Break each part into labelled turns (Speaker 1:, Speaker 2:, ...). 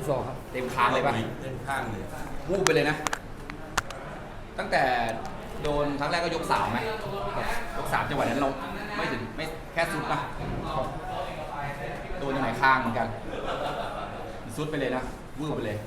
Speaker 1: 62ครับ
Speaker 2: เต็มคางเลยป่ะ
Speaker 3: เต็มข้างเลย
Speaker 2: วูบไปเลยนะ ตั้งแต่โดนครั้งแรกก็ยกสามไหมยกสามจังหวะนั้นเราไม่ถึงไม่แค่ซุดนะโดนยังไหนคางเหมือนกันซุดไปเลยนะวูบไปเลย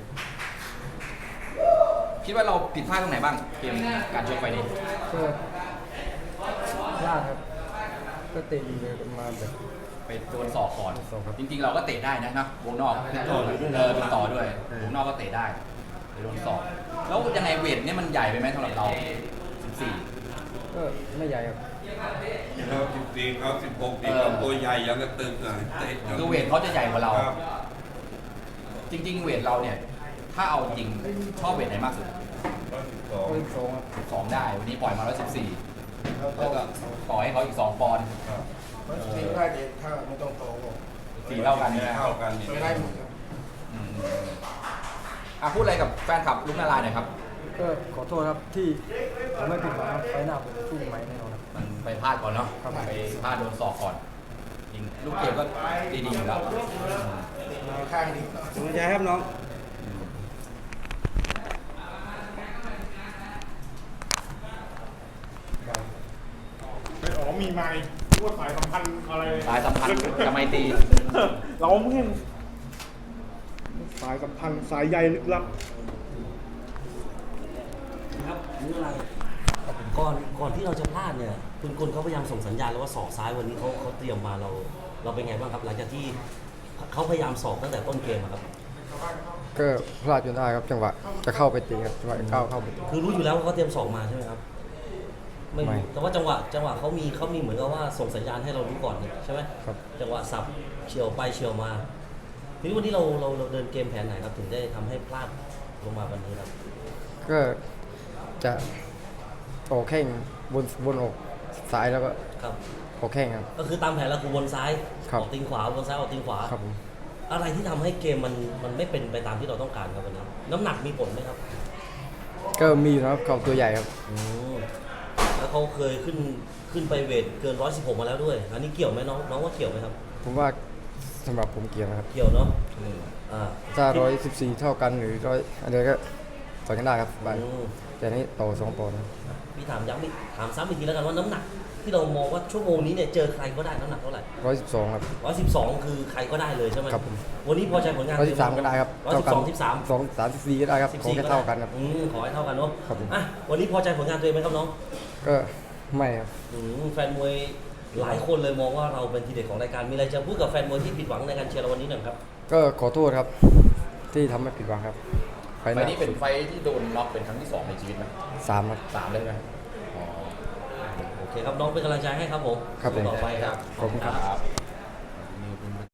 Speaker 2: คิดว่าเราผิดพลาดตรงไหนบ้างเกมการชกไฟนี้
Speaker 1: ก็พลาดครับก็เตะดีเลยมาแบบ
Speaker 2: ไปโดนศอกก่อน
Speaker 1: ศอกครับ
Speaker 2: จริงๆเราก็เตะได้นะวงนอกเป็นต่อด้วยวงนอกก็เตะได้ไปโดนศอกแล้วยังไงเวทเนี่ยมันใหญ่ไปไหมสำหรับเรา14
Speaker 1: ก็ไม่ใหญ่ครับ
Speaker 3: เรา14เขา16เขาตัวใหญ่ยังกระตึกเลยเตะจน
Speaker 2: คือเวทเขาจะใหญ่กว่าเรา
Speaker 3: ครับ
Speaker 2: จริงๆเวทเราเนี่ยถ้าเอาจริงชอบเวทไหนมากสุด
Speaker 1: 62ครับ
Speaker 2: 2ได้วันนี้ปล่อยมา114แล้วก็ต่อให้เขาอีก2ปอนด์
Speaker 3: ครับ
Speaker 4: ทีได้เด็กถ้าไม่ต้องโตก็
Speaker 2: 4เท่ากันนะ
Speaker 3: เท่ากันนี่
Speaker 4: ไม่ได้หมดครับ
Speaker 2: อืมพูดอะไรกับแฟนคลับลุกนาลายณ์หน่อยครับ
Speaker 1: ก็ขอโทษครับที่ผมไม่ผิดหวังครับไฟหน้าผมสู้ไหมแน่นอนครับ
Speaker 2: มันไปพลาดก่อนเนาะ
Speaker 1: ครับ
Speaker 2: ไปพลาดโดนศอกก่อนยิงลูกเกมก็ดีๆอยู่แล้ว
Speaker 4: มาข้างนี้
Speaker 1: สนใจครับน้อง
Speaker 5: อ๋อมีไม้ว่าสายสัมพันธ์อะไร
Speaker 2: สายสัมพันธ์กับไมตรี
Speaker 5: เราไม่สายสัมพันธ์สายใยลึกลับ
Speaker 6: ครับนี่อะไรก่อนที่เราจะพลาดเนี่ยคุณกลเขาพยายามส่งสัญญาณแล้วว่าศอกซ้ายวันนี้เขาเตรียมมาเราเป็นไงบ้างครับหลังจากที่เขาพยายามศอกตั้งแต่ต้นเกมอะครับ
Speaker 1: ก็พลาดจนได้ครับจังหวะจะเข้าไปตีครับจังหวะก้าวเข้าไปตี
Speaker 6: คือรู้อยู่แล้วว่าเขาเตรียมศอกมาใช่ไหมครับไม่
Speaker 1: ไม่
Speaker 6: รู้แต่ว่าจังหวะเขามีเหมือนกับว่าส่งสัญญาณให้เรารู้ก่อนนี่ใช่ไหม
Speaker 1: ครับ
Speaker 6: จังหวะสับเฉียวไปเฉียวมาทีนี้วันนี้เราเดินเกมแผนไหนครับถึงได้ทำให้พลาดลงมาวันนี้ครับ
Speaker 1: ก็จะออกแข้งบนอกซ้ายแล้วก็
Speaker 6: ครับ
Speaker 1: ออกแข้งครับ
Speaker 6: ก็คือตามแผนเราคือวนซ้าย
Speaker 1: ครับ
Speaker 6: ออกตีนขวาวนซ้ายออกตีนขวา
Speaker 1: ครับผม
Speaker 6: อะไรที่ทำให้เกมมันไม่เป็นไปตามที่เราต้องการครับวันนี้น้ำหนักมีผลไหมครับ
Speaker 1: ก็มีอยู่นะครับเขาตัวใหญ่ครับ
Speaker 6: อืมแล้วเขาเคยขึ้นไปเวทเกิน116มาแล้วด้วย อันนี้เกี่ยวไหมน้องว่าเกี่ยวไหมครับ
Speaker 1: ผมว่าสำหรับผมเกียร์นะครับ
Speaker 6: เกี่ยวเนาะอ่า
Speaker 1: ถ้า114เท่ากันหรือ100อะไรก็ต่อยกันได้ครับบาย
Speaker 6: อืม
Speaker 1: แต่นี่ต่อ2ปอนด์ครับ
Speaker 6: พี่ถามย้ำอีกถามซ้ำอีกทีแล้วกันว่าน้ำหนัก ที่เรามองว่าชั่วโมงนี้เนี่ยเจอใครก็ได้น้ำหนักเท่าไหร่
Speaker 1: 112ครับ
Speaker 6: 112คือใครก็ได้เลยใช่ไหม
Speaker 1: ครับผม
Speaker 6: วันนี้พอใจผลงาน
Speaker 1: 113ก็ได้ครับ
Speaker 6: 112 13
Speaker 1: 2 3 4ก็ได้ครับขอแค่เท่ากันครับ
Speaker 6: ขอให้เท่ากันเนาะ
Speaker 1: ครับผม
Speaker 6: อ่ะวันนี้พอใจผลงานตัวเองไหมครับน้อง
Speaker 1: ก็ไม่ครับ
Speaker 6: แฟนมวยหลายคนเลยมองว่าเราเป็นทีเด็ดของรายการ มีอะไรจะพูดกับแฟนมวยที่ผิดหวังในการเชียร์เราวันนี้หน่อยครับ
Speaker 1: ก็ขอโทษครับที่ทำให้ผิดหวังครับไฟ
Speaker 2: ไฟนี้เป็นไฟที่โดนน็อกเป็นครั้งที่2ในชีวิตไหม
Speaker 1: 3ครับ
Speaker 2: 3เลยไหมอ๋อ
Speaker 6: โอเคครับน้องเป็นกำลังใจให้ครับผม
Speaker 1: ครับผม
Speaker 6: ต่อไปครับ
Speaker 1: ขอบคุณครับ